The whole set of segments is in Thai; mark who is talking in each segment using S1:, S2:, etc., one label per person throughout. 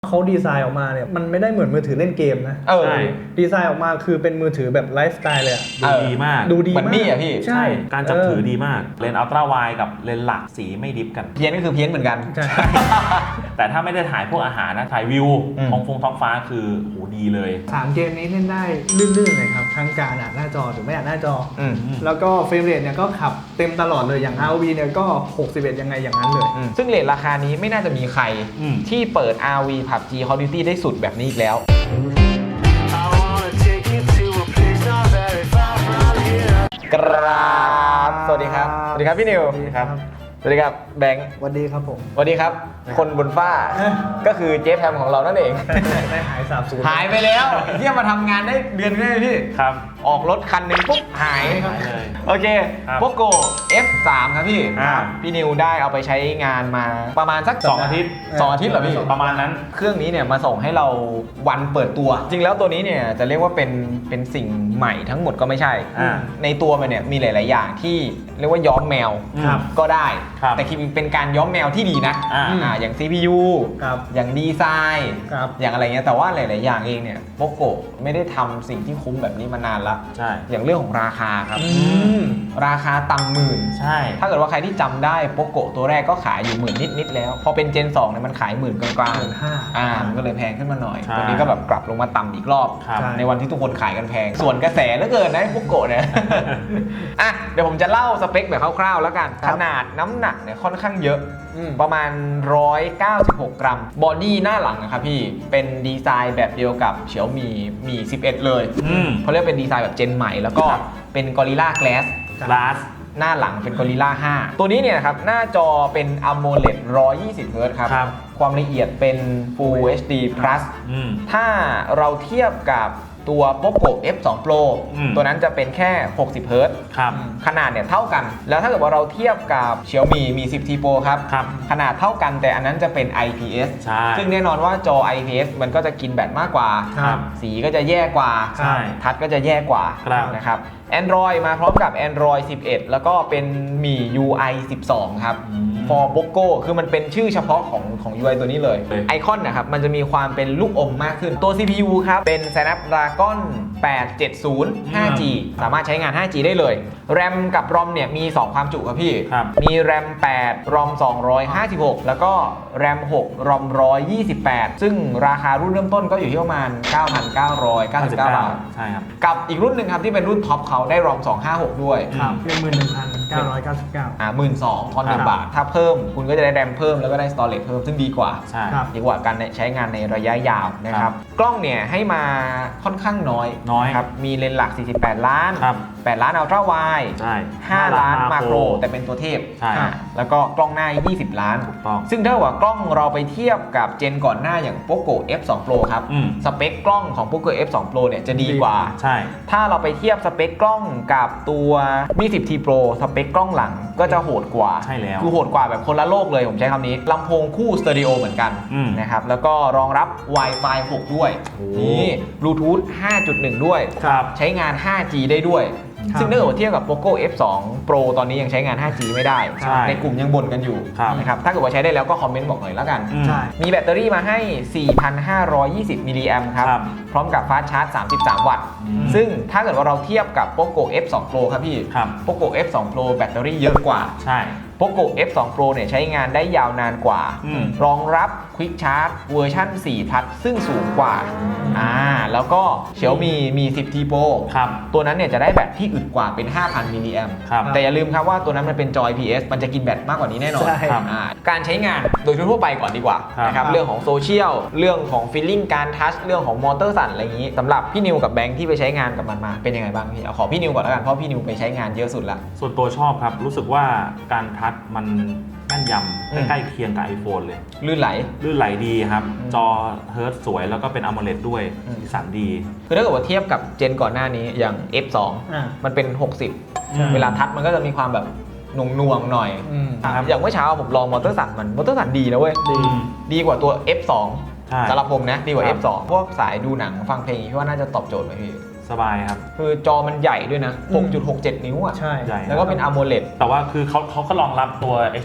S1: เขาดีไซน์ออกมาเนี่ยมันไม่ได้เหมือนมือถือเล่นเกมนะ
S2: ใช่
S1: ดีไซน์ออกมาคือเป็นมือถือแบบไลฟ์สไตล์เลยอะ
S3: ดูดีมาก
S1: ดูดี
S2: เหมือนมี่อ่ะพี่
S1: ใช่
S3: การจับถือดีมากเลนส์อัลตร้าไวด์กับเลนส์หลักสีไม่ดิฟกัน
S2: เพี้ยนก็คือเพี้ยนเหมือนกัน
S1: ใช่
S3: แต่ถ้าไม่ได้ถ่ายพวกอาหารนะถ่ายวิวท้องฟ้าคือโหดีเลย
S1: 3 เกมนี้เล่นได้ลื่นๆเลยครับทั้งการอ่านหน้าจอหรือไม่อ่านหน้าจอแล้วก็เฟรมเรทเนี่ยก็ขับเต็มตลอดเลยอย่าง ROV เนี่ยก็61ยังไงอย่างนั้นเลย
S2: ซึ่งเรทราคานี้ไม่น่าจะมีใครที่เปิด RV PUBG Call of Duty ได้สุดแบบนี้อีกแล้วกราบสวัสดีครับสวัสดีครับพี่นิว
S1: ครับ
S2: สวัสดีครับแบงค์
S1: สวัสดีครับผม
S2: สวัสดีครับคนบนฟ้าก็คือเจฟแฮมของเรานั่นเอง
S1: ได้หายสาบสูญ
S2: หายไปแล้วที่มาทำงานได้เดือนนึงพี่
S3: ครับ
S2: ออกรถคันหนึ่งปุ๊บหาย
S3: เลย
S2: โอเคโปโก F3 ครับพี่พี่นิวได้เอาไปใช้งานมาประมาณสัก
S3: 2 อาทิตย์
S2: เหรอพี่
S3: ประมาณนั้น
S2: เครื่องนี้เนี่ยมาส่งให้เราวันเปิดตัวจริงแล้วตัวนี้เนี่ยจะเรียกว่าเป็นสิ่งใหม่ทั้งหมดก็ไม่ใช่ในตัวมันเนี่ยมีหลายๆอย่างที่เรียกว่าย้อมแมวก็ได้แต่คือเป็นการย้อมแมวที่ดีนะอย่าง CPU อย่างดีไซน์อย่างอะไรเงี้ยแต่ว่าหลายๆอย่างเองเนี่ยโปโกไม่ได้ทำสิ่งที่คุ้มแบบนี้มานานละอย่างเรื่องของราคาครับราคาต่ำหมื่น
S3: ใช่
S2: ถ้าเกิดว่าใครที่จำได้โปโกตัวแรกก็ขายอยู่หมื่นนิดๆแล้วพอเป็นเจน2เนี่ยมันขายหมื่นกลางๆมันก็เลยแพงขึ้นมาหน่อยตัวนี้ก็แบบกลับลงมาต่ำอีกรอบในวันที่ทุกคนขายกันแพงส่วนกระแสเหลือเกินนะโปโกเนี่ยเดี๋ยวผมจะเล่าสเปคแบบคร่าวๆแล้วกันขนาดน้ำหนักเนี่ยค่อนข้างเยอะประมาณ196 กรัมบอดี้หน้าหลังนะครับพี่เป็นดีไซน์แบบเดียวกับเฉียวมี11เลยเขาเรียกเป็นดีไซน์แบบเจนใหม่แล้วก็เป็น Gorilla Glass หน้าหลังเป็น Gorilla 5ตัวนี้เนี่ยครับหน้าจอเป็น AMOLED 120 Hz ครับความละเอียดเป็น Full HD Plus ถ้าเราเทียบกับตัว Poco F2 Pro ตัวนั้นจะเป็นแค่60 Hz ขนาดเนี่ยเท่ากันแล้วถ้าเกิดว่าเราเทียบกับ Xiaomi Mi 10T Pro ครับขนาดเท่ากันแต่อันนั้นจะเป็น IPS ซึ่งแน่นอนว่าจอ IPS มันก็จะกินแบตมากกว่าสีก็จะแย่กว่าทัชก็จะแย่กว่านะครับ Android มาพร้อมกับ Android 11 แล้วก็เป็นมี UI 12 ครับ for Poco คือมันเป็นชื่อเฉพาะของ UI ตัวนี้เลยไอคอนนะครับมันจะมีความเป็นลูกอมมากขึ้นตัว CPU ครับเป็น Snapdragon 870 5G สามารถใช้งาน 5G ได้เลย RAM กับ ROM เนี่ยมี 2 ความจุครับพี่มี RAM 8 ROM 256 แล้วก็ RAM 6 ROM 128 ซึ่งราคารุ่นเริ่มต้นก็อยู่ที่ประมาณ 9,999 บาท
S3: ใช่ครับ
S2: กับอีกรุ่นหนึ่งครับที่เป็นรุ่นท็อปเขาได้ ROM 256 ด้วย
S1: เป็น11,999
S2: 12,000 ทอน1 บาทถ้าเพิ่มคุณก็จะได้ RAM เพิ่มแล้วก็ได้ storage เพิ่มซึ่งดีกว่าดีกว่าการใช้งานในระยะยาวนะครับกล้องเนี่ยให้มาค่อนข้างน้อยครับมีเลนส์หลัก48 ล้าน8 ล้านอัลตร้าไวด์5 ล้านมาโครแต่เป็นตัวเทพแล้วก็กล้องหน้า20 ล้านซึ่งถ้าว่ากล้องเราไปเทียบกับเจนก่อนหน้าอย่าง Poco F2 Pro ครับสเปคกล้องของ Poco F2 Pro เนี่ยจะดีกว่าถ้าเราไปเทียบสเปคกล้องกับตัว Mi 10T Pro สเปคกล้องหลังก็จะโหดกว่าคือโหดกว่าแบบคนละโลกเลยผมใช้คำนี้ลำโพงคู่สเตอริโอเหมือนกันนะครับแล้วก็รองรับ Wi-Fi 6 ด้วยนี่ Bluetooth 5.1 ด้วยใช้งาน 5G ได้ด้วยซึ่งถ้าเทียบกับ Poco F2 Pro ตอนนี้ยังใช้งาน 5G ไม่ได้ในกลุ่มยังบ่นกันอยู่นะครับถ้าเกิดว่าใช้ได้แล้วก็คอมเมนต์บอกหน่อยแล้วกันมีแบตเตอรี่มาให้ 4,520 มิลลิแอมป์ครับพร้อมกับฟาสต์ชาร์จ 33 วัตต์ซึ่งถ้าเกิดว่าเราเทียบกับ Poco F2 Pro ครับพี่ Poco F2 Pro แบตเตอรี่เยอะกว่าPoco F2 Pro เนี่ยใช้งานได้ยาวนานกว่ารองรับ Quick Charge เวอร์ชัน4 Plus ซึ่งสูงกว่าแล้วก็ Xiaomi Mi 10T Pro ตัวนั้นเนี่ยจะได้แบตที่อึดกว่าเป็น 5,000 มิลลิแอมป์แต่อย่าลืมครับว่าตัวนั้นมันเป็นจอ IPS มันจะกินแบตมากกว่านี้แน่นอนการใช้งานโดยทั่วไปก่อนดีกว่านะครับเรื่องของโซเชียลเรื่องของ Feeling การทัชเรื่องของมอเตอร์สั่นอะไรอย่างนี้สำหรับพี่นิวกับแบงค์ที่ไปใช้งานกับมันมาเป็นยังไงบ้างพี่เอาขอพี่นิวก่อนแล้วกันเพราะพี่นิวไปใช้งานเยอะสุดละ
S3: ส่วนตัวชอบครับรู้สึกว่าการทัชมันแม่นยำใกล้เคียงกับ iPhone เลย
S2: ลื่นไหล
S3: ดีครับจอเฮิร์ตสวยแล้วก็เป็น AMOLED ด้วยสีสันดี
S2: คือถ้าเกิดว่าเทียบกับเจนก่อนหน้านี้อย่าง F2 มันเป็น60เวลาทัชมันก็จะมีความแบบหน่วงหน่อยอย่างเมื่อเช้าผมลองมอเตอร์สั่นมอเตอร์สั่นดีนะเว้ยดีกว่าตัว F2 สำหรับผมนะดีกว่า F2 พวกสายดูหนังฟังเพลงพี่ว่าน่าจะตอบโจทย์ไหมพี่
S3: สสบายครับ
S2: คือจอมันใหญ่ด้วยนะ 6.67 นิ้วอ่ะ
S1: ใช่
S3: ใหญ่
S2: แล้วก็เป็น AMOLED
S3: แต่ว่าคือเขาก็รองรับตัว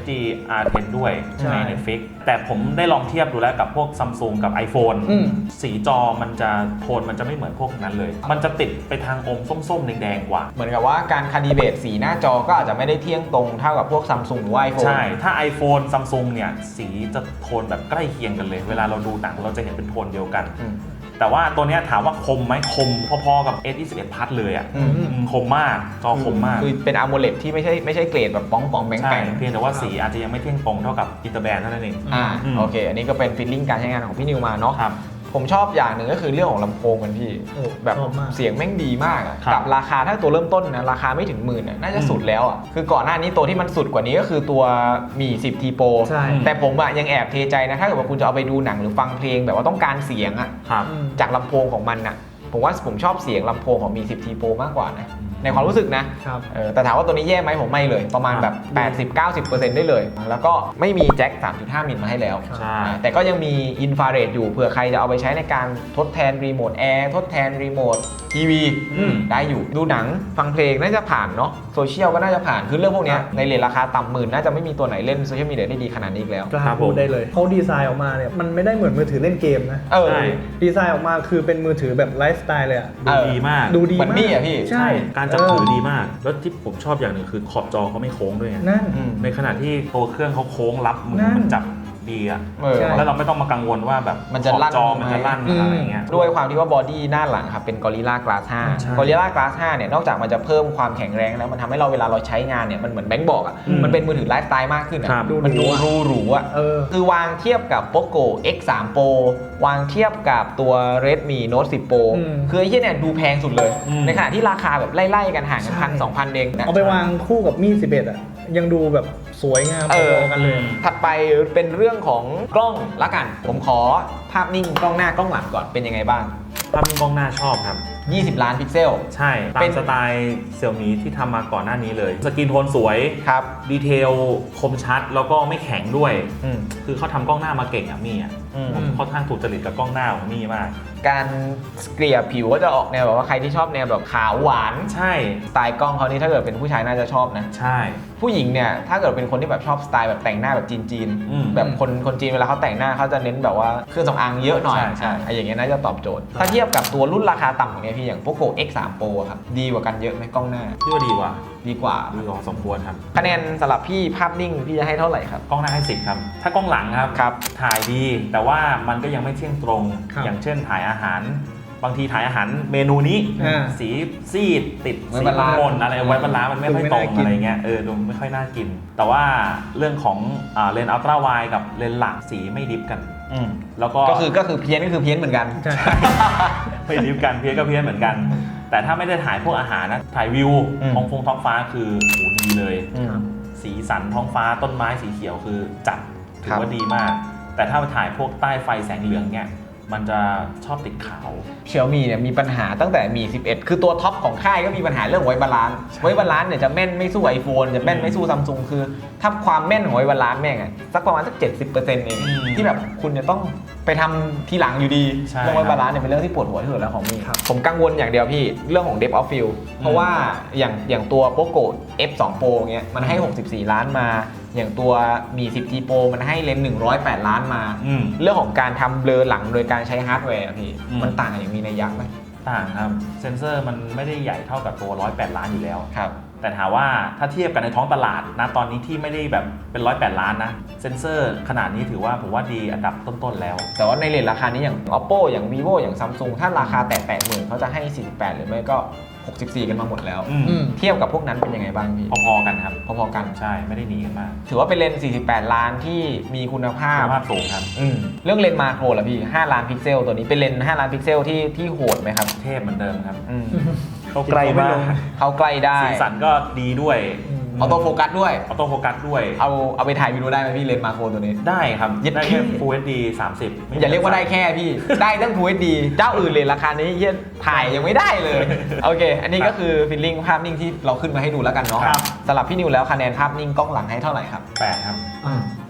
S3: HDR10 ด้วย
S1: ใช่
S3: ใน Netflix แต่ผมได้ลองเทียบดูแล้วกับพวก Samsung กับ iPhone สีจอมันจะโทนมันจะไม่เหมือนพวกนั้นเลย มันจะติดไปทางอมส้มๆแดงๆกว่า
S2: เหมือนกับว่าการคาลิเบรตสีหน้าจอก็อาจจะไม่ได้เที่ยงตรงเท่ากับพวก Samsung หรือว่า iPhone
S3: ใช่ ถ้า iPhone Samsung เนี่ยสีจะโทนแบบใกล้เคียงกันเลย เวลาเราดูหนังเราจะเห็นเป็นโทนเดียวกัน แต่ว่าตัวเนี้ยถามว่าคมไหมคมพอๆกับ S21 Plus เลยอ่ะคมมากจอคมมาก
S2: คือเป็น AMOLED ที่ไม่ใช่เกรดแบบป้องแบง
S3: ใช่
S2: แปง
S3: เพียงแต่ว่าสีอาจจะยังไม่เที่ยงตรงเท่ากับอินเตอร์แบนด์เท่านั้นเอง
S2: โอเค อันนี้ก็เป็นฟีลลิ่งการใช้งานของพี่นิวมาเนาะ
S3: ครับ
S2: ผมชอบอย่างหนึ่งก็คือเรื่องของลำโพงกันพี่
S1: โอ้
S2: แบบ
S1: ชอบมาก
S2: เสียงแม่งดีมากอะ
S3: ครับ
S2: กับราคาถ้าตัวเริ่มต้นนะราคาไม่ถึงหมื่นน่าจะสุดแล้วอะคือก่อนหน้านี้ตัวที่มันสุดกว่านี้ก็คือตัวมี 10T Pro
S1: ใช่
S2: แต่ผมอะยังแอบเทใจนะถ้าเกิดว่าคุณจะเอาไปดูหนังหรือฟังเพลงแบบว่าต้องการเสียงอะ
S3: ครับ
S2: จากลำโพงของมันอะผมว่าผมชอบเสียงลำโพงของมี 10T Pro มากกว่านะในความรู้สึกนะครับ แต่ถามว่าตัวนี้แย่ไหมผมไม่เลยประมาณแบบ 80-90% ได้เลย แล้วก็ไม่มีแจ็ค 3.5 มิลมาให้แล้ว
S3: ใช่
S2: แต่ก็ยังมีอินฟราเรดอยู่เผื่อใครจะเอาไปใช้ในการทดแทนรีโมทแอร์ทดแทนรีโมททีวีได้อยู่ดูหนังฟังเพลงน่าจะผ่านเนาะโซเชียลก็น่าจะผ่านคือเรื่องพวกเนี้ยในเรทราคาต่ำหมื่นน่าจะไม่มีตัวไหนเล่นโซเชียลมีเดียได้ดีขนาดนี้อีกแล้ว
S1: กล้าพูดได้เลยเขาดีไซน์ออกมาเนี่ยมันไม่ได้เหมือนมือถือเล่นเกมนะ
S3: ใช่
S1: ดีไซน์ออกมาคือเป็นมือถือแบบไลฟ์สไตล์เลยอะ
S3: ดูดีมาก
S1: ดูดี
S2: เหมือน
S1: มาก
S2: มี่อะพี่
S1: ใช่
S3: การจับถือดีมาก แล้วที่ผมชอบอย่างหนึ่งคือขอบจอเขาไม่โค้งด้วยไง
S1: นั่น
S3: ในขณะที่ตัวเครื่องเขาโค้งรับมือ
S1: นั่น
S3: มันจับดีอ่ะ
S1: ใช่
S3: แล้วเราไม่ต้องมากังวลว่าแบบ
S2: มันจะลั่น
S3: ขอบจอมันจะลั่น
S1: ไหม
S3: อะไรอย่างเงี้ย
S2: ด้วยความที่ว่าบอดี้หน้าหลังครับเป็น Gorilla Glass
S3: ใช่
S2: 5 Gorilla Glass 5 เนี่ยนอกจากมันจะเพิ่มความแข็งแรงแล้วมันทำให้เราเวลาเราใช้งานเนี่ยมันเหมือนแบงค์บอกอ่ะมันเป็นมือถือไลฟ์สไตล์มากขึ้นอ่ะ
S3: ครับ
S2: มันดูหรูอ่ะ คือวางเทียบกับ Poco X3 Pro วางเทียบกับตัว Redmi Note 10 Pro คือไอ้เหี้ยเนี่ยดูแพงสุดเลย ในขณะที่ราคาแบบไล่ๆกันห่างกัน
S1: ใช่
S2: 1,000-2,000 เองนะ
S1: เอาไปวางคู่กับมีด11อะยังดูแบบสวยงามพอๆกันเลย
S2: ถัดไปเป็นเรื่องของกล้องละกัน ผมขอภาพนิ่งกล้องหน้ากล้องหลังก่อนเป็นยังไงบ้าง
S3: ภาพนิ่งกล้องหน้าชอบครับ
S2: 20 ล้านพิกเซล
S3: ใช่ ตา
S2: เป็
S3: ม
S2: น
S3: สไตล์เซี่ยมี่ที่ทำมาก่อนหน้านี้เลย สกรีนโทนสวย
S2: ครับ
S3: ดีเทลคมชัด แล้วก็ไม่แข็งด้วย
S2: อืม
S3: คือเขาทำกล้องหน้ามาเก่งอ่ะมี่อ่ะ ผมค่อนข้างถูกจริตกับกล้องหน้าของมี่มาก
S2: การเกลี่ยผิวก็จะออกแนวแบบว่าใครที่ชอบแนวแบบขาวหวาน
S3: ใช่
S2: สไตล์กล้องเขานี่ถ้าเกิดเป็นผู้ชายน่าจะชอบนะ
S3: ใช่
S2: ผู้หญิงเนี่ยถ้าเกิดเป็นคนที่แบบชอบสไตล์แบบแต่งหน้าแบบจีน
S3: อืม
S2: ๆแบบคนจีนเวลาเขาแต่งหน้าเขาจะเน้นแบบว่าเครื่องสำอางเยอะหน่อย
S3: ใช่
S2: ไอ้อย่างเงี้ยน่าจะตอบโจทย์ ถ้าเทียบกับตัวรุ่นราคาต่ำอย่างเงี้ยพี่อย่าง Poco X3 Pro อะครับดีกว่ากันเยอะไหมกล้องหน้า
S3: พี่ว่าดีกว่า
S2: ดีกว่า
S3: ดีกว่าสมควรครับ
S2: คะแนนสำหรับพี่ภาพนิ่งพี่จะให้เท่าไหร่ครับ
S3: กล้องหน้าให้10ครับ ถ้ากล้องหลังครับ
S2: ครับ
S3: ถ่ายดี แต่ว่ามันก็ยังไม่เที่ยงตรง
S1: ครับ
S3: อย่างเช่นถ่ายอาหาร บางทีถ่ายอาหารเมนูนี้ สีซีดติด
S2: ไว้
S3: สี
S2: บาลานซ์
S3: มนอะไรไว้บาลานซ์มันไม่ค่อยตรง
S1: ดูไม่น่ากิน
S3: อะไรเงี้ยดูไม่ค่อยน่ากิน แต่ว่าเรื่องของเลนส์อัลตร้าไวด์กับเลนส์หลักสีไม่ดิฟกัน แล้วก็
S2: ก็คือเพี้ยนก็คือเพี้ยนเหมือนกัน
S1: ใช่
S3: ไม่ดิฟกันเพี้ยนก็เพี้ยนเหมือนกัน แต่ถ้าไม่ได้ถ่ายพวกอาหารนะถ่ายวิว ท้องฟ้าคือโหดีเลย สีสันท้องฟ้าต้นไม้สีเขียวคือจัดถือว่าดีมาก แต่ถ้าถ่ายพวกใต้ไฟแสงเหลืองเนี่ยมันจะชอบติดขาว
S2: Xiaomi เนี่ยมีปัญหาตั้งแต่มี 11 คือตัวท็อปของค่ายก็มีปัญหาเรื่องไว้บาลานซ์ไว้บาลานซ์เนี่ยจะแม่นไม่สู้ iPhone จะแม่นไม่สู้ Samsung คือถ้าความแม่นของไว้บาลานซ์แม่งอะสักประมาณสัก 70% เองที่แบบคุณจะต้องไปทำทีหลังอยู่ดี
S3: ใช่
S2: เรื่องไว้บาลานซ์เนี่ยเป็นเรื่องที่ปวดหัวที่สุดแล้วของมีผมกังวลอย่างเดียวพี่เรื่องของ Depth of Field เพราะว่าอย่างตัว Poco F2 Pro เงี้ยมันให้ 64 ล้านมา อย่างตัวมี 10T Pro มันให้เลนส์108 ล้านมา เรื่องของการทำเบลอหลังโดยการใช้ฮาร์ดแวร์อะพี่มันต่างกันอย่างมีนัยยะไหม
S3: ต่างครับ เซนเซอร์มันไม่ได้ใหญ่เท่ากับตัว 108 ล้านอยู่แล้ว
S2: ครับ
S3: แต่ถามว่าถ้าเทียบกันในท้องตลาดนะตอนนี้ที่ไม่ได้แบบเป็น 108 ล้านนะ เซนเซอร์ขนาดนี้ถือว่าผมว่าดีอันดับต้นๆแล้ว
S2: แต่ว่าในเรทราคานี้อย่าง Oppo อย่าง Vivo อย่าง Samsung ถ้าราคาแตะ 80,000เขาจะให้ 48 หรือไม่ก็ 64 กันมาหมดแล้ว เทียบกับพวกนั้นเป็นยังไงบ้างพี่
S3: พอๆกันครับ
S2: พอๆกัน
S3: ใช่ไม่ได้หนีกันมาก
S2: ถือว่าเป็นเลนส์ 48 ล้านที่มีคุณภาพ
S3: คุณภาพสูงครับ
S2: เรื่องเลนส์มาโครล่ะพี่ 5 ล้านพิกเซลตัวนี้เป็นเลนส์ 5 ล้านพิกเซลที่โหดไหมครับ
S3: เทพเหมือนเดิมครับ
S1: เขาไกลมาก
S2: เขาใกล้ได้
S3: สีสันก็ดีด้วย
S2: ออโต้โฟกัสด้วย
S3: ออโต้โฟกัสด้วย
S2: เอาไปถ่ายวิดีโอได้ไหมพี่เลนส์มาโครตัวนี้
S3: ได้ครับ
S2: ยึด
S3: ได้
S2: ที่
S3: แค่ Full HD 30
S2: อย่าเรียกว่าได้แค่พี่ ได้ตั้ง Full HD เจ้าอื่นเลยราคานี้เหี้ยถ่ายยังไม่ได้เลย โอเค อันนี้ก็คือฟีลลิ่งภาพนิ่งที่เราขึ้นมาให้ดูแล้วกันเนาะ
S3: ครับ
S2: สำหรับพี่นิวแล้วคะแนนภาพนิ่งกล้องหลังให้เท่าไหร่ครับ
S3: 8ครับ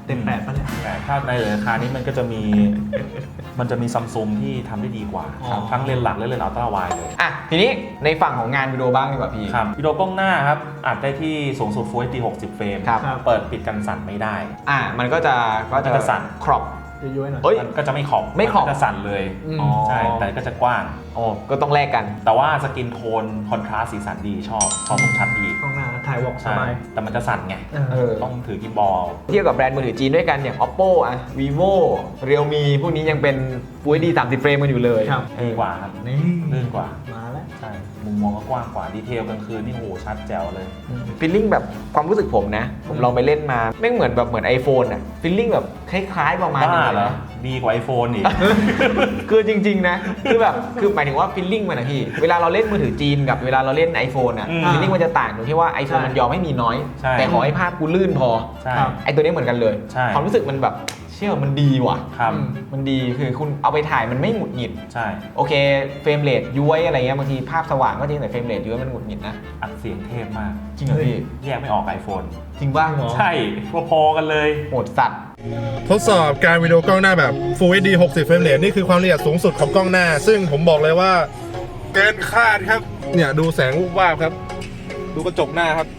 S1: เต็ม8ป่ะเนี่ย
S3: แต่ถ้าในราคานี้มันก็จะมีซัมซุงที่ทำได้ดีกว่าครับทั้งเลนส์หลักและเลนส์อัลตร้าไวด์เลย
S2: อ่ะทีนี้ในฝั่งของงานวิดีโอบ้างดีกว่าพี่
S3: ครับวิดีโอกล้องหน้าครับอัดได้ที่สูงสุด Full HD 60 เฟรม
S2: ครับ
S3: เปิดปิดกันสั่นไม่ได้
S2: มันก็จะ
S3: สั่น
S2: ครอป
S1: ย้อยๆหน่อย
S2: เฮ้ย
S3: มันก็จะไม่ขอบ
S2: ไม่ขอบ
S3: นก็จะสั่นเลย
S1: อ๋อ
S3: ใช่แต่ก็จะกว้าง
S2: โอ้ก็ต้องแลกกัน
S3: แต่ว่าสกินโทนคอนทราสต์สีสันดีชอบคมชัดดี
S1: กล้องหน้าถ่ายวอล์กส
S3: ใช่
S1: บาย
S3: แต่มันจะสั่นไง ต้องถือกิมบอล
S2: เทียบกับแบรนด์มือถือจีนด้วยกันอย่าง oppo vivo realme พวกนี้ยังเป็น Full HD 30 เฟรมกันอยู่เลย
S1: ครับ
S3: ดีกว่าครับ
S1: นี่
S3: ลื่นกว่า
S1: มาแล้ว
S3: ใช่มุมมองก็กว้างกว่าดีเทลกลางคืนนี่โหชัดแจ๋วเลย
S2: ฟีลลิ่งแบบความรู้สึกผมนะ ผมลองไปเล่นมาแม่งเหมือน iPhone อ่ะฟีลลิ่งแบบคล้ายๆประมาณ
S3: บ้า
S2: นึง
S3: เหร
S2: เล
S3: อย ดีกว่า iPhone อีก
S2: คือจริงๆนะคือหมายถึงว่าฟีลลิ่งมันนะพี่เวลาเราเล่นมือถือจีนกับเวลาเราเล่น iPhone อ่ะ
S3: อืม
S2: ฟีลลิ่งมันจะต่างตรงที่ว่า iPhone มันยอมให้มีน้อย
S3: ใช่
S2: แต่ขอให้ภาพกูลื่นพอ
S3: ใช่
S1: ครับ
S2: ไอตัวนี้เหมือนกันเลย
S3: ใช่
S2: ความรู้สึกมันแบบเชื่อมันดีว่ะ
S3: ครับ
S2: มันดีคือคุณเอาไปถ่ายมันไม่หงุดหงิด
S3: ใช่
S2: โอเคเฟรมเรทย้วยอะไรเงี้ยบางทีภาพสว่างก็จริงแต่เฟรมเรทย้วยมันหงุดหงิดนะ
S3: อัดเสียงเทพมาก
S2: จริงเหรอพี่
S3: แยกไม่ออก iPhone
S2: จริงป่ะ
S3: ใช่พอๆกันเลย
S2: โหดสัตว์
S4: ทดสอบการวิดีโอกล้องหน้าแบบ Full HD 60 เฟรมเรทนี่คือความละเอียดสูงสุดของกล้องหน้า ซึ่งผมบอกเลยว่าเกินคาดครับ เนี่ยดูแสงวูบวาบครับ ดูกระจกหน้าครับ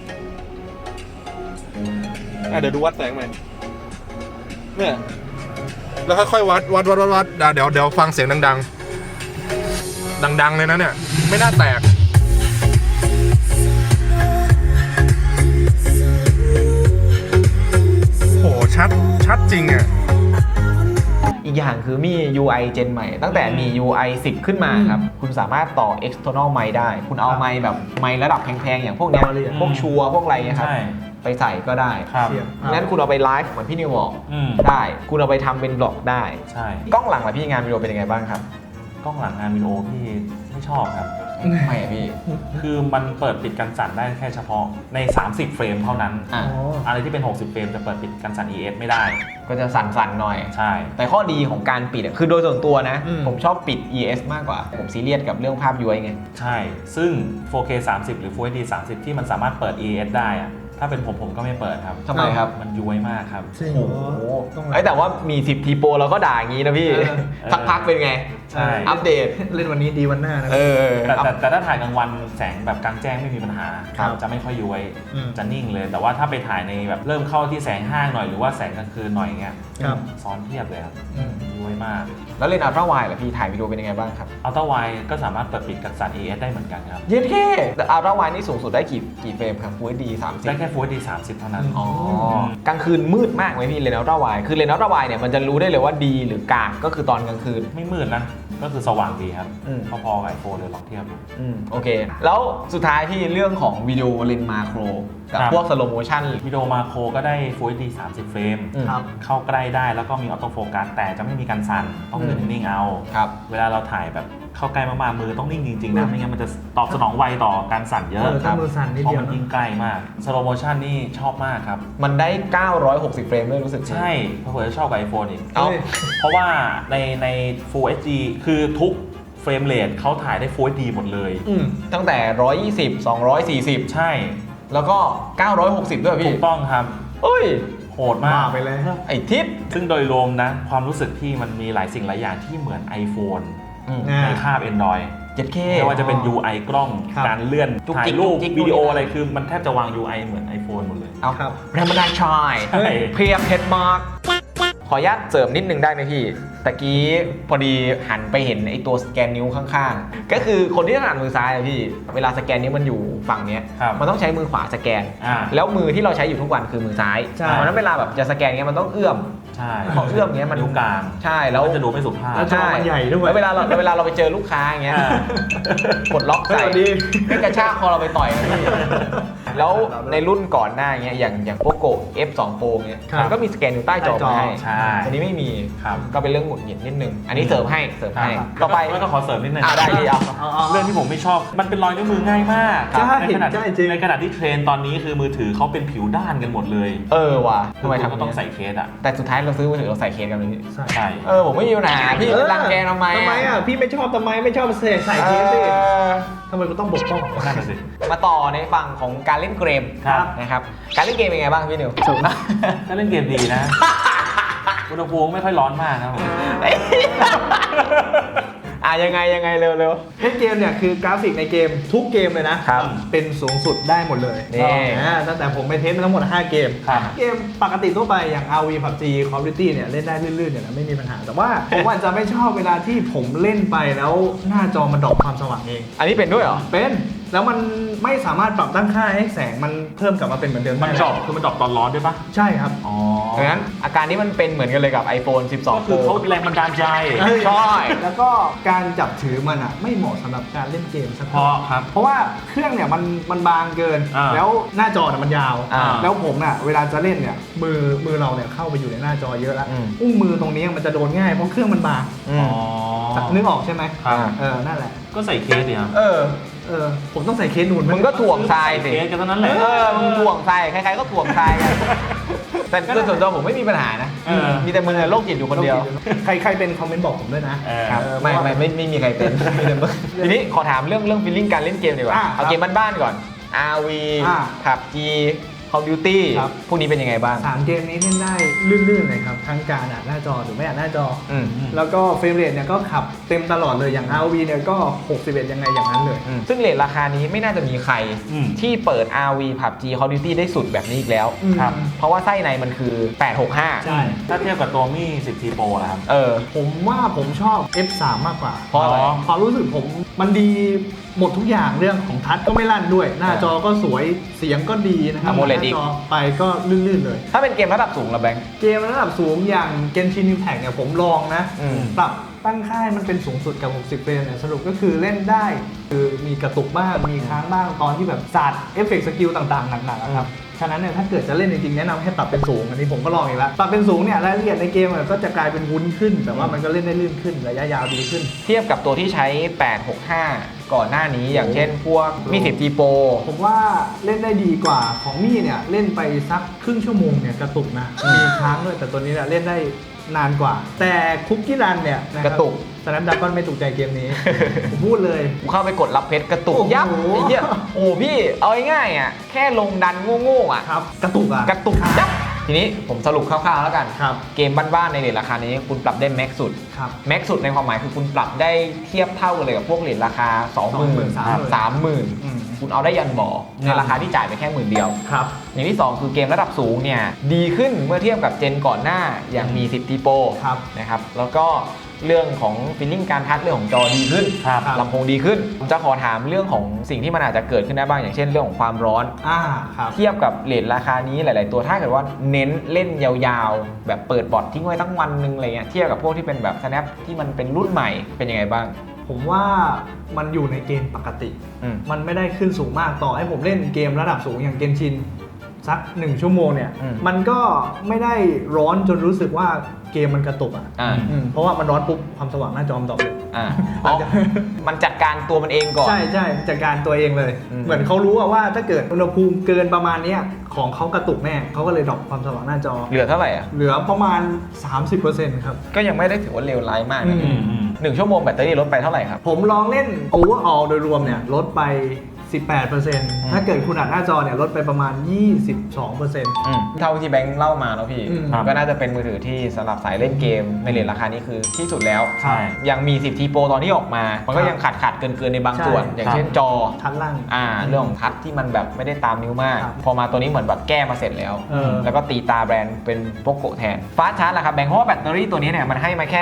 S4: เดี๋ยวดูวัดแสงใหม่เนี่ยแล้วค่อยๆวัดเดี๋ยวฟังเสียงดังเลยนะเนี่ย ไม่น่าแตกโหชัดจริงอ่ะ
S2: อีกอย่างคือมี UI เจนใหม่ ตั้งแต่มี UI 10 ขึ้นมาครับ คุณสามารถต่อ external mic ได้ คุณเอาไมค์แบบไมค์ระดับแพงๆ อย่างพวกเนี้ย พวกชัวร์พวกอะไรเงี้ยครับ
S3: ใช่
S2: ไปใส่ก็ได้
S3: ครับ
S1: เสียง
S2: งั้นคุณเอาไปไลฟ์เหมือนพี่นิวบอก
S3: อืม
S2: ได้ คุณเอาไปทำเป็นบล็อกได้
S3: ใช่
S2: กล้องหลังล่ะพี่งานวิดีโอเป็นยังไงบ้างครับ
S3: กล้องหลังงานวิดีโอพี่ไม่ชอบครับ
S2: ทำไมอะพี่
S3: คือมันเปิดปิดกันสั่นได้แค่เฉพาะใน 30 เฟรมเท่านั้น
S2: อ่ะ
S1: อ๋อ
S3: อะไรที่เป็น 60 เฟรมจะเปิดปิดกันสั่น ES ไม่ได้
S2: ก็จะสั่นๆหน่อย
S3: ใช่
S2: แต่ข้อดีของการปิดอะคือโดยส่วนตัวนะ
S1: อืม
S2: ผมชอบปิด ES มากกว่า ผมซีเรียสกับเรื่องภาพย้วยไง
S3: ใช่ ซึ่ง 4K 30 หรือ Full HD 30 ที่มันสามารถเปิด ES ได้อะถ้าเป็นผมก็ไม่เปิดครับ
S2: ทำไมครับ
S3: มันย้วยมากครับ
S1: จริง
S2: โอ้
S1: เหร
S2: โห
S1: อต้อง
S2: แต่ว่ามี10ทีโปรเราก็ด่าอย่างนี้นะพี่ สักพักเป็นไง
S3: ใช่
S2: อัปเดต
S1: เล่นวันนี้ดีวันหน้านะ
S3: แต่ถ้าถ่ายกลางวันแสงแบบกลางแจ้งไม่มีปัญหา
S1: ครับ
S3: จะไม่ค่อยย้วย
S1: อืม
S3: จะนิ่งเลย แต่ว่าถ้าไปถ่ายในแบบเริ่มเข้าที่แสงห้างหน่อยหรือว่าแสงกลางคืนหน่อยเงี้ย
S1: ครับ
S3: ซ้อนเทียบเลยครับ
S1: อืม
S3: ย้วยมาก
S2: แล้วเลนส์อัลตร้าไวด์ล่ะพี่ถ่ายวิดีโอเป็นยังไงบ้างครับ
S3: อัลตร้าไวด์ก็สามารถเปิดปิดกันสั่น ES ได้เหมือนกันครับ
S2: เย็นแค่แต่อัลตร้าไวด์นี่สูงสุดได้กี่เฟรมครับ Full HD
S3: ได้แค่ Full HD 30 เท่านั้น
S2: 30อ๋อกลางคืนมืดมากไหมพี่เลนส์อัลตร้าไวด์คือเลนส์อัลตร้าไวด์เนี่ยมันจะรู้ได้เลยว่าดีหรือกากก็คือตอนกลางคืน
S3: ไม่มืดนะ ก็คือสว่างดีครับ
S2: อืม
S3: พอๆกับ iPhone เลยลองเทียบดู
S2: โอเค แล้วสุดท้ายที่เรื่องของวิดีโอเลนส์มาโครกับ
S3: ครับ
S2: พวกสโลโมชั่น
S3: วิดีโอมาโครก็ได้ Full HD 30 เฟรม
S1: ครับ
S3: เข้าใกล้ได้แล้วก็มีออโต้โฟกัสแต่จะไม่มีการสั่นต้องเดินนิ่งๆเอา
S2: ครับ
S3: เวลาเราถ่ายแบบเข้าใกล้มากๆมือต้องนิ่งจริงๆนะไม่งั้นมันจะตอบสนองไวต่อการสั่นเยอะ
S1: ถ้ามือสั่นนิด
S3: เพราะ
S1: เดียว
S3: มัน
S1: นะ
S3: ยิ่งใกล้มากสโลโมชันนี่ชอบมากครับ
S2: มันได้ 960 เฟรมด้วยรู้สึก
S3: ใช่เพราะผมจะชอบกับ iPhone อีก
S2: เอา
S3: เพราะว่าใน Full HD คือทุกเฟรมเรทเขาถ่ายได้ Full HD หมดเลย
S2: ตั้งแต่ 120 240
S3: ใช่
S2: แล้วก็ 960 ด้วย
S3: ถู
S2: พี่
S3: กต้องครับ
S2: เอ้ย
S3: โหดมาก
S1: ไปเลย
S2: ไอ้ทิศ
S3: ซึ่งโดยรวมนะ ความรู้สึกที่มันมีหลายสิ่งหลายอย่างที่เหมือน iPhone
S1: อ่า
S3: ในคาบ Android
S2: 7K
S3: ไม่ว่าจะเป็น UI กล้อง
S1: ครับ
S3: การเลื่อน
S2: จุก
S3: ถ่า
S2: จิ
S3: ย
S2: ก
S3: รูป
S2: จุกจิก
S3: วิดีโอ
S2: นู่นนี่
S3: อะไรคือมันแทบจะวาง UI เหมือน iPhone หมดเลย
S2: เอา
S1: ครับ
S2: แรมดานชาย
S3: ใช่
S2: เพียบเพชรมาร์กขออนุญาตเสริมนิดนึงได้ไหมพี่ตะกี้พอดีหันไปเห็นไอ้ตัวสแกนนิ้วข้างๆ ก็คือคนที่ถนัดมือซ้ายอะพี่เวลาสแกนนิ้วมันอยู่ฝั่งเนี้ย
S3: ครับ
S2: มันต้องใช้มือขวาสแกน
S3: อ่า
S2: แล้วมือที่เราใช้อยู่ทุกวันคือมือซ้าย
S1: ใช่
S2: เพราะฉะนั้นเวลาแบบจะสแกนเงี้ยมันต้องเอื้อม
S3: ใช่
S2: พอเอื้อมเงี้ยมัน
S3: นิ้วกลาง
S2: ใช่แล้ว
S3: ก็จะดูไม่สุภาพ
S1: แล้ว จอมันใหญ่ด้วย
S2: แล้วเวลาเราไปเจอลูกค้าอย่างเงี้ย
S3: อ่า
S2: กดล็อกใส่
S1: สวัสดี
S2: ไม่กระชากคอเราไปต่อยนะพี่แล้วในรุ่นก่อนหน้าเงี้ยอย่างพวกโก F2 Pro เงี้ย
S1: ครับ
S2: มันก็มีสแกนอยู่ใต้จอมาให้
S3: ใช่
S2: อันนี้ไม่มี
S3: ครับ
S2: ก็เป็นเรื่องหงุดหงิดนิดนึงอันนี้เสริมให้ต่อไป
S3: แล้วก็ขอเสริมนิดนึง
S2: ได้พี่เอา
S3: เรื่องที่ผมไม่ชอบ มันเป็นรอยนิ้วมือง่ายมาก
S1: ใช่
S3: ในขณะ
S1: ใช่จริง
S3: ในขณะที่เทรนด์ตอนนี้คือมือถือเขาเป็นผิวด้านกันหมดเลย
S2: ว่ะทำไม
S3: คุณ
S2: ทำ
S3: ก็ต้องใส่เคสอ่ะ
S2: แต่สุดท้ายเราซื้อมือถือเราใส่เคสกันเลยพี่
S3: ใช่
S2: ผมไม่มีปัญหาพี่ไปรังแกทำไม
S1: ทำไมอ่ะ พี่ไม่ชอบทำไมไม่ชอบใส่เคสสิ
S2: เออ
S1: ทำไมกูต้องบกป้อง
S3: นั่นน่ะสิ
S2: มาต่อในฝั่งของการเล่นล่นเกม
S3: ครับ
S2: นะครับการเล่นเกมเป็นไงบ้างพี่นิว
S3: ก็เล่นเกมดีนะ อุณหภูมิไม่ค่อยร้อนมากครับผม
S2: ยังไงเร็ว
S1: เล่นเกมเนี่ยคือกราฟิกในเกมทุกเกมเลยนะครับ เป็นสูงสุดได้หมดเลย
S2: นี่
S1: ตั้งแต่ผมไปเทสมาทั้งหมด 5 เกม
S3: ครับ
S1: เกมปกติทั่วไปอย่าง RV PUBG Call of Duty เนี่ยเล่นได้ลื่นๆเนี่ยนะไม่มีปัญหา แต่ว่าผมอาจจะไม่ชอบเวลาที่ผมเล่นไปแล้วหน้าจอมันดรอปความสว่างเอง
S2: อันนี้เป็นด้วยเหรอ
S1: เป็นแล้วมันไม่สามารถปรับตั้งค่าให้แสงมันเพิ่มกลับมาเป็นเหมือนเดิม
S3: มัน
S1: ได้
S3: ดรอปคือมันดรอปตอนร้อนด้วยปะ
S1: ใช่ครับ
S3: อ๋อ
S2: ดังนั้นอาการนี้มันเป็นเหมือนกันเลยกับ iPhone 12
S3: ก็คือเขาแรงบันดาลใจ
S2: ใช่
S1: แล้วก็การจับถือมันอ่ะไม่เหมาะสำหรับการเล่นเกมสัก
S3: เพราะครับ
S1: เพราะว่าเครื่องเนี่ยมันบางเกิน
S3: อ่า
S1: แล้วหน้าจอเนี่ยมันยาว
S2: อ่า
S1: แล้วผมน่ะเวลาจะเล่นเนี่ยมือเราเนี่ยเข้าไปอยู่ในหน้าจอเยอะแล้ว
S2: อืม
S1: อุ้งมือตรงนี้มันจะโดนง่ายเพราะเครื่องมันบาง
S2: อืม
S1: นึกออกใช่ไหม
S3: ครับ
S1: นั่นแหละ
S3: ก็ใส่เคสดิครับ
S1: ผมต้องใส่เคสนูนไห
S2: มึงก็ถ่วงทรายสิ
S3: เคสกันเท่านั้นแหละ
S2: มึงถ่วงทรายใครๆก็ถ่วงทรายกันแต่โดยส่วนตัวผมไม่มีปัญหานะ
S3: เออ
S2: มีแต่มึงโรคจิตอยู่คนเดียว
S1: ใครเป็นคอมเมนต์บอกผมด้วยนะ
S2: ครับไม่มีใครเป็นมีแต่มึงทีนี้ขอถามเรื่องฟีลลิ่งการเล่นเกมดีกว่า เอาเกมบ้านๆก่อน RV PUBG Call of Duty
S1: ครับ
S2: พวกนี้เป็นยังไงบ้าง
S1: 3 เกมนี้เล่นได้ลื่นๆเลยครับทั้งการอ่านหน้าจอหรือไม่อ่านหน้าจอ
S2: อืม
S1: แล้วก็เฟรมเรทเนี่ยก็ขับเต็มตลอดเลยอย่าง RV เนี่ยก็ 61 ยังไงอย่างนั้นเลย
S2: ซึ่งเรทราคานี้ไม่น่าจะมีใคร
S3: อืม
S2: ที่เปิด RV PUBG Call of Duty ได้สุดแบบนี้อีกแล้ว
S3: ครับ
S2: เพราะว่าไส้ในมันคือ 865
S1: ใช่
S3: ถ้าเทียบกับตัวมี่10 T Pro นะครับ
S1: ผมว่าผมชอบ F3 มากกว่า
S2: เพราะอะไร
S1: ความรู้สึกผมมันดีหมดทุกอย่างเรื่องของทัชก็ไม่ลั่นด้วย หน้าจอก็สวยเสียงก็ดีนะครับ
S2: AMOLED
S1: หน้าจอไปก็ลื่นๆเลย
S2: ถ้าเป็นเกมระดับสูงละแบงค์
S1: เกมระดับสูงอย่าง Genshin Impact เนี่ยผมลองนะ
S2: อืม
S1: ปรับตั้งค่ายมันเป็นสูงสุดกับ 60 เฟรมเนี่ยสรุปก็คือเล่นได้คือมีกระตุกบ้างมีค้างบ้างตอนที่แบบศาสตร์เอฟเฟกต์สกิลต่างๆหนักๆอะครับฉะนั้นเนี่ยถ้าเกิดจะเล่นจริงๆแนะนำให้ปรับเป็นสูงอันนี้ผมก็ลองอีกแล้วปรับเป็นสูงเนี่ยรายละเอียดในเกมก็จะกลายเป็นวุ้นขึ้น แต่ว่ามันก็เล่นได้ลื่นขึ้นระยะยาวดีขึ้น
S2: เทียบกับตัวที่ใช้ 865 ก่อนหน้านี้อย่างเช่นพวกมี10 T Pro
S1: ผมว่าเล่นได้ดีกว่าของมี่เนี่ยเล่นไปสักครึ่งชั่วโมงเนี่ยกระตุกนะมีค้างด้วยแต่ตัวนี้เนี่ยเล่นได้นานกว่า แต่คุกกี้รันเนี่ยนะคบ
S2: กระตุก
S1: สแนปดราก้อนไม่ถูกใจเกมนี้ ผมพูดเลย
S2: กูเข้าไปกดรับเพชรกระตุก
S1: โอ้โห
S2: ยับไอ้เหี้ยโอ้พี่เอาง่ายๆอ่ะแค่ลงดันโง่ๆอ่ะ
S1: ครับกระตุกอ่ะ
S2: กระตุกยับทีนี้ผมสรุปคร่าวๆแล้วกัน
S1: ครับ
S2: เกมบ้านๆในเรทราคานี้คุณปรับได้แม็กสุด
S1: ครับ
S2: แม็กสุดในความหมายคือคุณปรับได้เทียบเท่ากันเลยกับพวกเหรียญราคา 20,000 30,000 คุณเอาได้ยันบ่อในราคาที่จ่ายไปแค่10,000 เดียว
S1: ครับ
S2: อย่างที่ 2 คือเกมระดับสูงเนี่ยดีขึ้นเมื่อเทียบกับเจนก่อนหน้าอย่างมี10 T Pro
S1: ครับ
S2: นะครับแล้วก็เรื่องของฟีลลิ่งการทัชเรื่องของจอดีขึ้น
S3: ครับ
S2: ลำโพงดีขึ้นผมจะขอถามเรื่องของสิ่งที่มันอาจจะเกิดขึ้นได้บ้างอย่างเช่นเรื่องของความร้อน
S1: ครับ
S2: เทียบกับเรทราคานี้หลาย ๆ ตัวถ้าเกิดว่าเน้นเล่นยาวๆ แบบเปิดบอททิ้งไว้ทั้งวันนึงอะไรเงี้ยเทียบกับพวกที่เป็นแบบ Snap ที่มันเป็นรุ่นใหม่เป็นยังไงบ้าง
S1: ผมว่ามันอยู่ในเกณฑ์ปกติ
S2: อืม
S1: มันไม่ได้ขึ้นสูงมากต่อให้ผมเล่นเกมระดับสูงอย่างเกนชินสัก1 ชั่วโมงเนี่ย มันก็ไม่ได้ร้อนจนรู้สึกว่าเกมมันกระตุกอ่ะ เพราะว่ามันร้อนปุ๊บความสว่างหน้าจอมนดรอปเลย
S2: อ๋อมันจัดการตัวมันเองก่อน
S1: ใช่จัดการตัวเองเลย เหมือนเขารู้ว่าถ้าเกิดอุณหภูมิเกินประมาณเนี้ยของเขากระตุกแน่เขาก็เลยดรอปความสว่างหน้าจอ
S2: เหลือเท่าไหร่อ่ะ
S1: เหลือประมาณ 30%ครับ
S2: ก็ยังไม่ได้ถือว่าเลวร้ายมากนะ
S1: อืม
S2: 1 ชั่วโมงแบตเตอรี่ลดไปเท่าไหร่ครับ
S1: ผมลองเล่น overall โดยรวมเนี่ยลดไป 18%ถ้าเกิดคุณอัดหน้าจอเนี่ยลดไปประมาณ 22%
S2: เท่าที่แบงค์เล่ามาแล้วพี่
S1: อืม
S2: ก็น่าจะเป็นมือถือที่สำหรับสายเล่นเกมในเรทราคานี้คือที่สุดแล้ว
S3: ใช่
S2: ยังมี10 T Pro ตอนที่ออกมา มันก็ยังขาดเกินในบางส่วน
S1: ใช่
S2: อย่างเช่นจอ
S1: ทัดล่าง
S2: เรื่องของทัชที่มันแบบไม่ได้ตามนิ้วมาก
S1: ครับ
S2: พอมาตัวนี้เหมือนแบบแก้มาเสร็จแล้ว แล้วก็ตีตาแบรนด์เป็นโปโกแทนฟาสต์ชาร์จล่ะครับแบงค์เพราะว่าแบตเตอรี่ตัวนี้เนี่ยมันให้มาแค่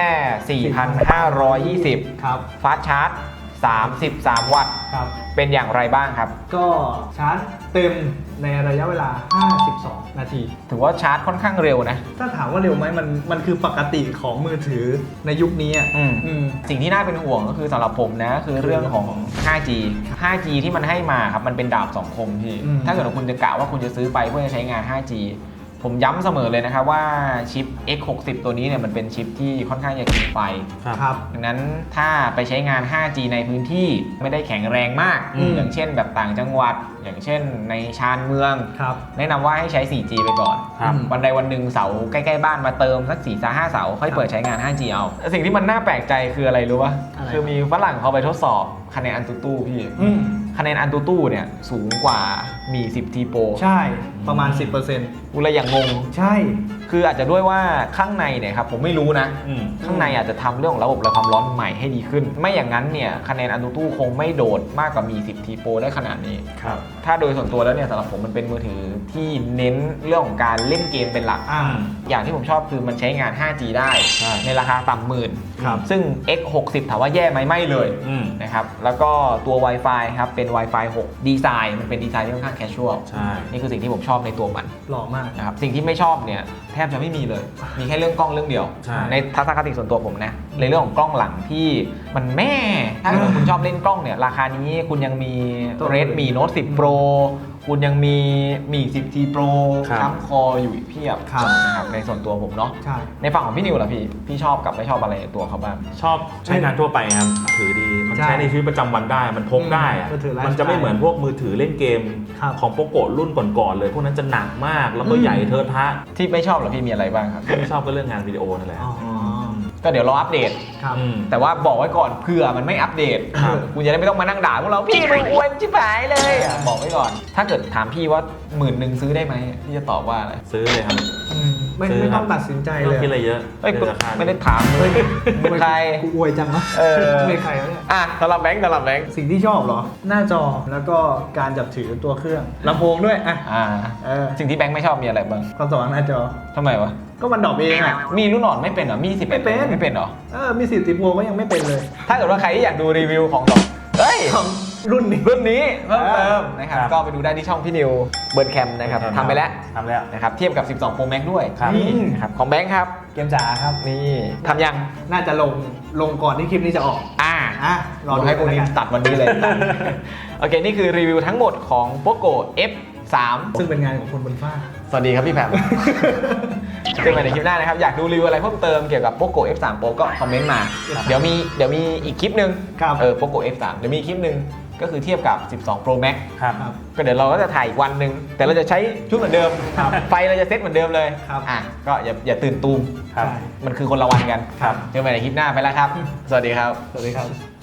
S2: 4,520
S1: ครับ
S2: ฟาสต์ชาร์จ 33 วัตต์
S1: ครับ
S2: เป็นอย่างไรบ้างครับ
S1: ก็ชาร์จเต็มในระยะเวลา 52 นาที
S2: ถือว่าชาร์จค่อนข้างเร็วนะ
S1: ถ้าถามว่าเร็วไหมมันคือปกติของมือถือในยุคนี้อ่ะ
S2: สิ่งที่น่าเป็นห่วงก็คือสำหรับผมนะคือเรื่องของ 5G 5G ที่มันให้มาครับมันเป็นดาบสองคมพี่ ถ้าเกิดว่าคุณจะกะว่าคุณจะซื้อไปเพื่อจะใช้งาน 5G ผมย้ำเสมอเลยนะครับว่าชิป X60 ตัวนี้เนี่ยมันเป็นชิปที่ค่อนข้างจะกินไฟ
S1: ครับ
S2: ดังนั้นถ้าไปใช้งาน 5G ในพื้นที่ไม่ได้แข็งแรงมาก อย่างเช่นแบบต่างจังหวัด อย่างเช่นในชานเมือง
S1: ครับ
S2: แนะนำว่าให้ใช้ 4G ไปก่อน
S3: ครับ
S2: วันใดวันหนึ่งเสาใกล้ๆบ้านมาเติมสัก4-5 เสาค่อยเปิดใช้งาน 5G เอา สิ่งที่มันน่าแปลกใจคืออะไรรู้ป่ะ
S1: อะไร
S2: คือมีฝรั่งเขาไปทดสอบคะแนนอันตูตู้พี่ คะแนนอันตูตู้เนี่ยสูงกว่ามี 10T Pro
S1: ใช่ประมาณ 10%
S2: กูเลยอย่างงง
S1: ใช่
S2: คืออาจจะด้วยว่าข้างในเนี่ยครับผมไม่รู้นะ ข้างในอาจจะทำเรื่องของระบบระบายความร้อนใหม่ให้ดีขึ้น ไม่อย่างนั้นเนี่ยคะแนน AnTuTu คงไม่โดดมากกว่ามี 10T Pro ได้ขนาดนี้
S1: ครับ
S2: ถ้าโดยส่วนตัวแล้วเนี่ยสำหรับผมมันเป็นมือถือที่เน้นเรื่องของการเล่นเกมเป็นหลัก อย่างที่ผมชอบคือมันใช้งาน 5G ได้ ในราคาต่ำหมื่น
S1: ครับ
S2: ซึ่ง X60 ถามว่าแย่ไหมไม่เลยนะครับแล้วก็ตัว Wi-Fi ครับเป็น Wi-Fi 6 ดีไซน์มันเป็นดีไซน์ที่ค่อนข้าง casual
S3: ใช่
S2: นี่คือสิ่งที่ผมชอบในตัวมัน
S1: หล่อมาก
S2: นะครับสิ่งที่ไม่ชอบเนี่ยแทบจะไม่มีเลย มีแค่เรื่องกล้องเรื่องเดียว
S3: ใช่
S2: ในทัศนคติส่วนตัวผมนะในเรื่องของกล้องหลังที่มันแม่ถ้าเกิดคุณชอบเล่นกล้องเนี่ยราคานี้คุณยังมี Redmi Note 10 Pro คุณยังมี 10T Pro ค้ำคออยู่อีกเพียบนะครับในส่วนตัวผมเนาะ
S1: ใช่
S2: ในฝั่งของพี่นิวล่ะพี่ชอบกับไม่ชอบอะไรในตัวเขาบ้าง
S3: ชอบใช้งานทั่วไปครับถือดีมัน
S1: ใช่
S3: ใช้ในชีวิตประจำวันได้มันพกได้อะ
S1: มือถือไลฟ์
S3: มันจะไม่เหมือนพวกมือถือเล่นเกม
S1: ครับ
S3: ของโปโกะรุ่นก่อนๆเลย พวกนั้นจะหนักมากแล้วก็ใหญ่เทอะทะ
S2: ที่ไม่ชอบเหรอพี่มีอะไรบ้างครับ
S3: ไม่ชอบก็เรื่องงานวิดีโอนั่นแหละ
S1: อ๋อ
S2: ก็เดี๋ยวรออัปเดต
S1: ครับ
S2: แต่ว่าบอกไว้ก่อนเผื่อมันไม่อัปเดต
S1: ครับ
S2: คุณจะได้ไม่ต้องมานั่งด่าพวกเราพี่มึงอวยชิบหายเลยบอกไว้ก่อน ถ้าเกิดถามพี่ว่า10,000ซื้อได้ไหมพี่จะตอบว่าอะไร
S3: ซื้อเลยครับ
S1: ไม่
S3: ซื้อ
S1: ไม่
S3: ครั
S1: ต้อบ งตัดสินใจ
S3: ไม่
S1: เล
S3: ต้อง
S1: ย
S3: คิดอะไรเยอะ
S2: เอ้ย
S3: เรื่องราคา
S2: ไม่ได้ถามเลยมึงใคร
S1: กูอวยจังวะ
S2: เออ
S1: ไม่ใครวะเนี่ย
S2: อ่ะสำหรับแบงค์
S1: สิ่งที่ชอบเหรอ หน้าจอแล้วก็การจับถือตัวเครื่องลำโพงด้วยอ่ะ
S2: สิ่งที่แบงค์ไม่ชอบมีอะไรบ้าง
S1: ความสว่างหน้าจอ
S2: ทำไมวะ
S1: ก็มันดรอปเองอ่ะ
S2: มีรุ่นอ่อนไม่เป็นเหรอมี11
S1: ไม่เป็น
S2: ไม่เป็นเหรอ
S1: มี10 10 Pro ก็ยังไม่เป็นเลย
S2: ถ้าเกิดว่าใครที่อยากดูรีวิวของเฮ้ย
S1: ของรุ่นนี้
S2: รุ่นนี้เพิ่มเติมนะครับ
S3: ครับ
S2: ก็ไปดูได้ที่ช่องพี่นิวเบิร์นแคมนะครับทำไปแล้ว
S3: ทำแล้ว
S2: นะครับเทียบกับ 12 Pro Max ด้วย
S3: ครับ
S2: นี่นะครับของแบงค์ครับ
S1: เกมจ๋าครับ
S2: นี่ทำยัง
S1: น่าจะลงก่อนที่คลิปนี้จะออก รอดู
S2: ให้พวกนี้
S1: แล้วกัน
S2: ตัดวันนี้เลย โอเค นี่คือรีวิวทั้งหมดของ Poco F3
S1: ซึ่งเป็นงานของคนบนฟ้า
S2: สวัสดีครับพี่แพม เจอกันในคลิปหน้านะครับ อยากดูรีวิวอะไรเพิ่มเติมเกี่ยวกับ Poco F3 Pro ก็คอมเมนต์มา เดี๋ยวมีอีกคลิปหนึ่ง
S1: ครับ
S2: Poco F3 เดี๋ยวมีคลิปหนึ่งก็คือเทียบกับ 12 Pro Max
S3: ครับ
S2: ก็เดี๋ยวเราก็จะถ่ายอีกวันหนึ่งแต่เราจะใช้ชุดเหมือนเดิม
S1: ครับ
S2: ไฟเราจะเซตเหมือนเดิมเลย
S1: ครับ
S2: ก็อย่าตื่นตูม
S3: ครับ
S1: ใช่
S2: มันคือคนละวันกัน
S3: ครับ
S2: เจอกันในคลิปหน้าไปแล้วครับ สวัสดีครับ
S1: สวัสดีครับ